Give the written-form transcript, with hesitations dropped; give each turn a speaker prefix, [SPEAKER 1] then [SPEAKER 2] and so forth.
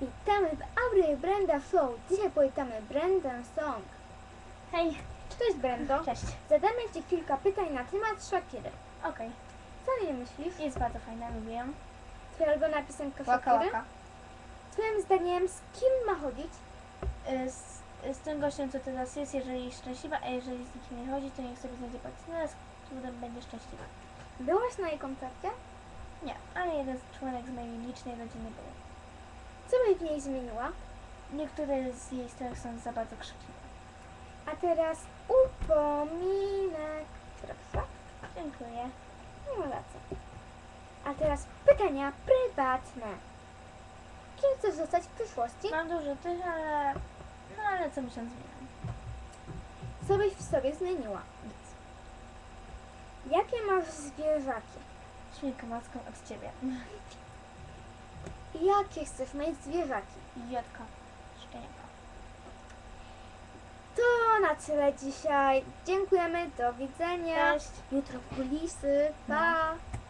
[SPEAKER 1] Witamy w Aury Brenda Show. Dzisiaj powietamy Brendę Song.
[SPEAKER 2] Hej,
[SPEAKER 1] Cześć Brendo.
[SPEAKER 2] cześć.
[SPEAKER 1] Zadamy Ci kilka pytań na temat Shakiry.
[SPEAKER 2] Okej,
[SPEAKER 1] Co o niej myślisz?
[SPEAKER 2] jest bardzo fajna, lubię ją.
[SPEAKER 1] Twoja ulubiona piosenka
[SPEAKER 2] Waka
[SPEAKER 1] Shakiry?
[SPEAKER 2] Waka.
[SPEAKER 1] Twoim zdaniem z kim ma chodzić?
[SPEAKER 2] Z tym gościem, co teraz jest, jeżeli jest szczęśliwa, a jeżeli z nikim nie chodzi, to niech sobie znajdzie partnera, z którym będzie szczęśliwa.
[SPEAKER 1] Byłaś na jej koncercie?
[SPEAKER 2] Nie, ale jeden członek z mojej licznej rodziny był.
[SPEAKER 1] Co byś w niej zmieniła?
[SPEAKER 2] Niektóre z jej stron są za bardzo krzykliwe.
[SPEAKER 1] A teraz upominek. Proszę.
[SPEAKER 2] Dziękuję.
[SPEAKER 1] Nie ma racji. A teraz pytania prywatne. Kim chcesz zostać w przyszłości?
[SPEAKER 2] Mam dużo tych, ale co miesiąc zmieniam.
[SPEAKER 1] Co byś w sobie zmieniła?
[SPEAKER 2] Nic.
[SPEAKER 1] Jakie masz zwierzaki?
[SPEAKER 2] Świnkę maską od ciebie.
[SPEAKER 1] Jakie chcesz mieć zwierzaki?
[SPEAKER 2] Jotka. Szczeniaka.
[SPEAKER 1] To na tyle dzisiaj. Dziękujemy, do widzenia.
[SPEAKER 2] Cześć.
[SPEAKER 1] Jutro kulisy. Pa!